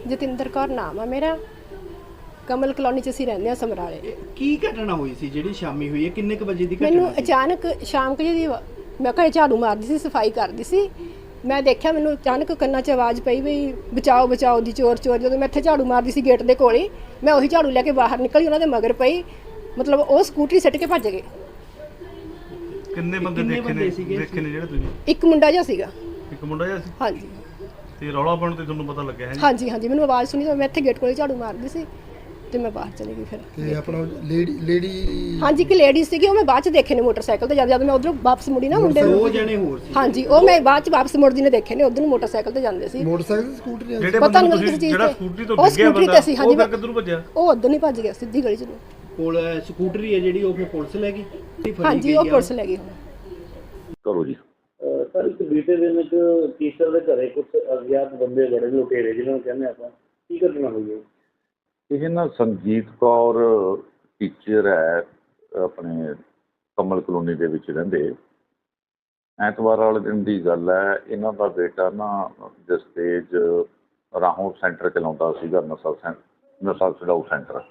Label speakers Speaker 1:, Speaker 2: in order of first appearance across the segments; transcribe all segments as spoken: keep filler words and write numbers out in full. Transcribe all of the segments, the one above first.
Speaker 1: ਜਤਿੰਦਰ ਕੌਰ ਨਾਮ ਆ ਮੇਰਾ। ਕਮਲ ਕਲੋਨੀ 'ਚ ਅਸੀਂ ਰਹਿੰਦੇ ਹਾਂ ਸਮਰਾਲੇ।
Speaker 2: ਕੀ ਘਟਨਾ ਹੋਈ ਸੀ ਜਿਹੜੀ ਸ਼ਾਮੀ ਹੋਈ ਹੈ? ਕਿੰਨੇ ਕੁ ਵਜੇ ਦੀ ਘਟਨਾ
Speaker 1: ਮੈਨੂੰ
Speaker 2: ਸੀ?
Speaker 1: ਅਚਾਨਕ ਸ਼ਾਮ ਕੁ ਜਿਹੀ ਮੈਂ ਘਰੇ ਝਾੜੂ ਮਾਰਦੀ ਸੀ, ਸਫਾਈ ਕਰਦੀ ਸੀ। ਮੈਂ ਦੇਖਿਆ ਮੈਨੂੰ ਅਚਾਨਕ ਕੰਨਾਂ 'ਚ ਆਵਾਜ਼ ਪਈ ਵੀ ਬਚਾਓ ਬਚਾਓ ਦੀ, ਚੋਰ ਚੋਰ। ਜਦੋਂ ਮੈਂ ਇੱਥੇ ਝਾੜੂ ਮਾਰਦੀ ਸੀ ਗੇਟ ਦੇ ਕੋਲ ਹੀ, ਮੈਂ ਉਹੀ ਝਾੜੂ ਲੈ ਕੇ ਬਾਹਰ ਨਿਕਲੀ, ਉਹਨਾਂ ਦੇ ਮਗਰ ਪਈ। ਮਤਲਬ ਉਹ ਸਕੂਟਰੀ ਸੱਟ ਕੇ ਭੱਜ ਗਏ।
Speaker 3: ਕਿੰਨੇ ਬੰਦੇ
Speaker 2: ਕਿੰਨੇ
Speaker 3: ਦੇਖੇ
Speaker 2: ਬੰਦੇ
Speaker 3: ਨੇ
Speaker 2: ਸੀਗੇ?
Speaker 3: ਦੇਖੇ ਨੇ ਜਿਹੜੇ ਤੁਸੀਂ?
Speaker 1: ਇੱਕ ਮੁੰਡਾ ਜਿਹਾ ਸੀਗਾ।
Speaker 3: ਇੱਕ ਮੁੰਡਾ ਜਿਹਾ ਸੀ
Speaker 1: ਹਾਂਜੀ
Speaker 3: ਤੇ ਰੌਲਾ ਪਾਉਣ ਤੇ ਤੁਹਾਨੂੰ ਪਤਾ ਲੱਗਿਆ ਹੈ ਜੀ?
Speaker 1: ਹਾਂਜੀ ਹਾਂਜੀ ਮੈਨੂੰ ਆਵਾਜ਼ ਸੁਣੀ ਤਾਂ ਮੈਂ ਇੱਥੇ ਗੇਟ ਕੋਲ ਝਾੜੂ ਮਾਰਦੀ ਸੀ ਤੇ ਮੈਂ ਬਾਹਰ ਚਲੀ ਗਈ। ਫਿਰ
Speaker 4: ਤੇ ਆਪਣਾ ਲੇਡੀ ਲੇਡੀ
Speaker 1: ਹਾਂਜੀ ਇੱਕ ਲੇਡੀ ਸੀਗੀ, ਉਹ ਮੈਂ ਬਾਅਦ ਚ ਦੇਖੇ ਨੇ ਮੋਟਰਸਾਈਕਲ ਤੇ। ਜਦ ਜਦ ਮੈਂ ਉਧਰੋਂ ਵਾਪਸ ਮੁੜੀ ਨਾ ਮੁੰਡੇ
Speaker 2: ਦੋ
Speaker 1: ਨੂੰ,
Speaker 2: ਜਣੇ ਹੋਰ ਸੀ?
Speaker 1: ਹਾਂਜੀ ਉਹ ਮੈਂ ਬਾਅਦ ਚ ਵਾਪਸ ਮੁੜਦੀ ਨੇ ਦੇਖੇ ਨੇ। ਉਧਰ ਨੂੰ ਮੋਟਰਸਾਈਕਲ ਤੇ ਜਾਂਦੇ ਸੀ।
Speaker 4: ਮੋਟਰਸਾਈਕਲ ਸਕੂਟਰੀ ਆ?
Speaker 3: ਜਿਹੜੇ
Speaker 1: ਪਤਾ
Speaker 3: ਬੰਦੇ
Speaker 1: ਨਹੀਂ
Speaker 3: ਨੂੰ
Speaker 1: ਮੈਨੂੰ
Speaker 3: ਤੁਸੀਂ
Speaker 1: ਕਿਸੇ ਚੀਜ਼
Speaker 3: ਜਿਹੜਾ
Speaker 1: ਤੇ-
Speaker 3: ਸਕੂਟਰੀ ਤੋਂ
Speaker 1: ਉਹ
Speaker 3: ਡਿੱਗਿਆ
Speaker 1: ਸਕੂਟਰੀ
Speaker 3: ਬੰਦਾ
Speaker 1: ਤੇ ਸੀ, ਹਾਂਜੀ,
Speaker 3: ਉਹ ਫਿਰ
Speaker 1: ਮੈਂ-
Speaker 3: ਕਿੱਧਰ ਨੂੰ ਭੱਜਿਆ?
Speaker 1: ਉਹ ਉਧਰ ਨਹੀਂ ਭੱਜ ਗਿਆ, ਸਿੱਧੀ ਗਲੀ ਚ ਨੂੰ।
Speaker 2: ਕੋਲ ਸਕੂਟਰੀ ਹੈ ਜਿਹੜੀ ਉਹ ਫਿਰ ਪੁਲਿਸ ਲੈ ਗਈ? ਫੜੀ
Speaker 1: ਹਾਂਜੀ
Speaker 2: ਗਈ
Speaker 1: ਉਹ
Speaker 2: ਆ?
Speaker 1: ਪੁਲਿਸ ਲੈ ਗਈ ਹੁਣ।
Speaker 5: ਕਰੋ ਜੀ।
Speaker 6: ਸਰ ਇੱਕ ਬੀਤੇ ਦਿਨ ਇੱਕ ਟੀਚਰ ਦੇ ਘਰੇ ਕੁਝ ਅਗਿਆਤ ਬੰਦੇ ਬੜੇ ਲੁਟੇਰੇ ਜਿਹਨਾਂ ਨੂੰ ਕਹਿੰਦੇ ਆਪਾਂ, ਕੀ ਘਟਨਾ ਹੋਈ ਹੈ?
Speaker 5: ਇਹ ਨਾ ਸੰਜੀਤ ਕੌਰ ਟੀਚਰ ਹੈ, ਆਪਣੇ ਕਮਲ ਕਲੋਨੀ ਦੇ ਵਿੱਚ ਰਹਿੰਦੇ। ਐਤਵਾਰ ਵਾਲੇ ਦਿਨ ਦੀ ਗੱਲ ਹੈ। ਇਹਨਾਂ ਦਾ ਬੇਟਾ ਨਾ ਜਸਤੇਜ ਰਾਹੋਂ ਸੈਂਟਰ ਚਲਾਉਂਦਾ ਸੀਗਾ, ਨਸ਼ਾ ਸੈਂ ਨਸ਼ਾ ਛਡਾਊ ਸੈਂਟਰ।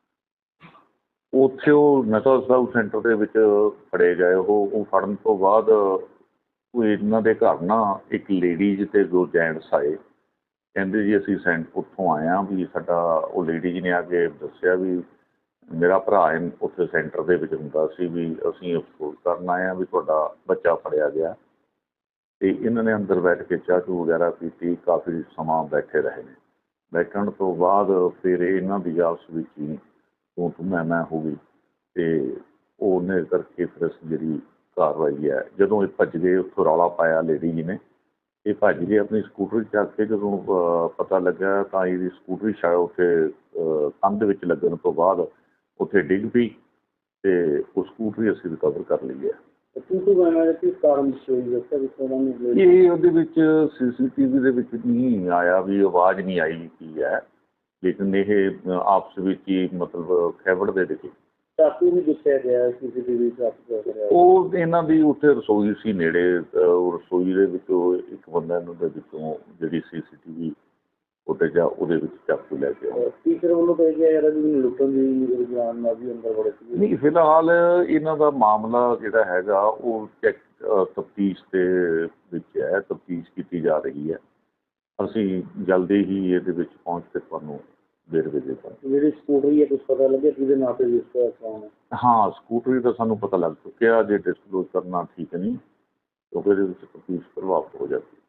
Speaker 5: ਉੱਥੇ ਉਹ ਨਸ਼ਾ ਛਡਾਊ ਸੈਂਟਰ ਦੇ ਵਿੱਚ ਫੜੇ ਗਏ। ਉਹ ਉਹ ਫੜਨ ਤੋਂ ਬਾਅਦ ਉਹ ਇਹਨਾਂ ਦੇ ਘਰ ਨਾ ਇੱਕ ਲੇਡੀਜ਼ ਅਤੇ ਦੋ ਜੈਂਟਸ ਆਏ। ਕਹਿੰਦੇ ਜੀ ਅਸੀਂ ਸੈਂਟ ਉੱਥੋਂ ਆਏ ਹਾਂ ਵੀ ਸਾਡਾ, ਉਹ ਲੇਡੀਜ਼ ਨੇ ਆ ਕੇ ਦੱਸਿਆ ਵੀ ਮੇਰਾ ਭਰਾ ਉੱਥੇ ਸੈਂਟਰ ਦੇ ਵਿੱਚ ਹੁੰਦਾ ਸੀ, ਵੀ ਅਸੀਂ ਅਫਸੋਸ ਕਰਨ ਆਏ ਹਾਂ ਵੀ ਤੁਹਾਡਾ ਬੱਚਾ ਫੜਿਆ ਗਿਆ। ਅਤੇ ਇਹਨਾਂ ਨੇ ਅੰਦਰ ਬੈਠ ਕੇ ਚਾਹ ਚੂ ਵਗੈਰਾ ਪੀਤੀ, ਕਾਫੀ ਸਮਾਂ ਬੈਠੇ ਰਹੇ ਨੇ। ਬੈਠਣ ਤੋਂ ਬਾਅਦ ਫਿਰ ਇਹਨਾਂ ਦੀ ਆਪਸ ਵਿੱਚ ਹੀ ਤੂੰ ਤੂੰ ਮੈਂ ਮੈਂ ਹੋ ਗਈ ਅਤੇ ਉਹਨੇ ਕਰਕੇ ਫਿਰ ਅਸੀਂ ਜਿਹੜੀ ਕਾਰਵਾਈ ਹੈ, ਜਦੋਂ ਇਹ ਭੱਜ ਗਏ ਉੱਥੋਂ ਰੌਲਾ ਪਾਇਆ ਲੇਡੀ ਜੀ ਨੇ, ਇਹ ਭੱਜ ਗਏ ਆਪਣੀ ਸਕੂਟਰੀ ਚੱਕ ਕੇ। ਜਦੋਂ ਪਤਾ ਲੱਗਾ ਤਾਂ ਇਹਦੀ ਸਕੂਟਰੀ ਸ਼ਾਇਦ ਉੱਥੇ ਕੰਧ ਵਿੱਚ ਲੱਗਣ ਤੋਂ ਬਾਅਦ ਉੱਥੇ ਡਿੱਗ ਪਈ ਅਤੇ ਉਹ ਸਕੂਟਰੀ ਅਸੀਂ ਰਿਕਵਰ ਕਰ ਲਈ ਹੈ।
Speaker 6: ਕੀ ਕੀ ਬਣਾਇਆ, ਕਿਸ ਕਾਰਨ ਹੋਈ ਦੱਸਿਆ ਵੀ ਉਹਨਾਂ ਨੂੰ?
Speaker 5: ਇਹ ਉਹਦੇ ਵਿੱਚ ਸੀ ਸੀ ਟੀ ਵੀ ਦੇ ਵਿੱਚ ਨਹੀਂ ਆਇਆ ਵੀ ਆਵਾਜ਼ ਨਹੀਂ ਆਈ ਕੀ ਹੈ, ਲੇਕਿਨ ਇਹ ਆਪਸ ਵਿੱਚ ਹੀ ਮਤਲਬ ਖੈਬੜ ਦੇ ਵਿੱਚ
Speaker 6: ਚਾਕੂ ਵੀ ਦੱਸਿਆ ਗਿਆ ਸੀ ਸੀ ਟੀ ਵੀ ਚਾਕੂ ਕਰਿਆ।
Speaker 5: ਉਹ ਇਹਨਾਂ ਦੀ ਉੱਥੇ ਰਸੋਈ ਸੀ ਨੇੜੇ, ਉਹ ਰਸੋਈ ਦੇ ਵਿੱਚੋਂ ਇੱਕ ਬੰਦਾ ਇਹਨਾਂ ਦੇ ਵਿੱਚੋਂ ਜਿਹੜੀ ਸੀ ਸੀ ਟੀ ਵੀ ਉੱਤੇ ਜਾ ਉਹਦੇ ਵਿੱਚ ਚਾਕੂ ਲੈ ਕੇ ਆਇਆ।
Speaker 6: ਟੀਚਰ ਵੱਲੋਂ ਕਹਿ ਗਿਆ ਯਾਰ ਵੀ ਮੈਨੂੰ ਲੁੱਟਣ ਦੀ ਜਾਨ ਨਾਲ ਵੀ ਅੰਦਰ ਬੜੇ ਸੀ।
Speaker 5: ਨਹੀਂ, ਫਿਲਹਾਲ ਇਹਨਾਂ ਦਾ ਮਾਮਲਾ ਜਿਹੜਾ ਹੈਗਾ ਉਹ ਚੈੱਕ ਤਫਤੀਸ਼ ਦੇ ਵਿੱਚ ਹੈ, ਤਫਤੀਸ਼ ਕੀਤੀ ਜਾ ਰਹੀ ਹੈ। ਅਸੀਂ ਜਲਦੀ ਹੀ ਇਹਦੇ ਵਿੱਚ ਪਹੁੰਚ ਕੇ ਤੁਹਾਨੂੰ ਵੇਰਵੇ ਦੇ ਦਾਂਗੇ।
Speaker 6: ਜਿਹੜੀ ਸਕੂਟਰੀ ਹੈ ਕੁਛ ਪਤਾ ਲੱਗਿਆ ਕਿਹਦੇ ਨਾਂ ਤੇ ਰਜਿਸਟਰ ਕਰਾਉਣਾ?
Speaker 5: ਹਾਂ, ਸਕੂਟਰੀ ਦਾ ਸਾਨੂੰ ਪਤਾ ਲੱਗ ਚੁੱਕਿਆ। ਜੇ ਡਿਸਕਲੋਜ਼ ਕਰਨਾ ਠੀਕ ਨਹੀਂ, ਕਿਉਂਕਿ ਇਹਦੇ ਵਿੱਚ ਤਫਤੀਸ਼ ਪ੍ਰਭਾਵਿਤ ਹੋ ਜਾਂਦੀ ਹੈ।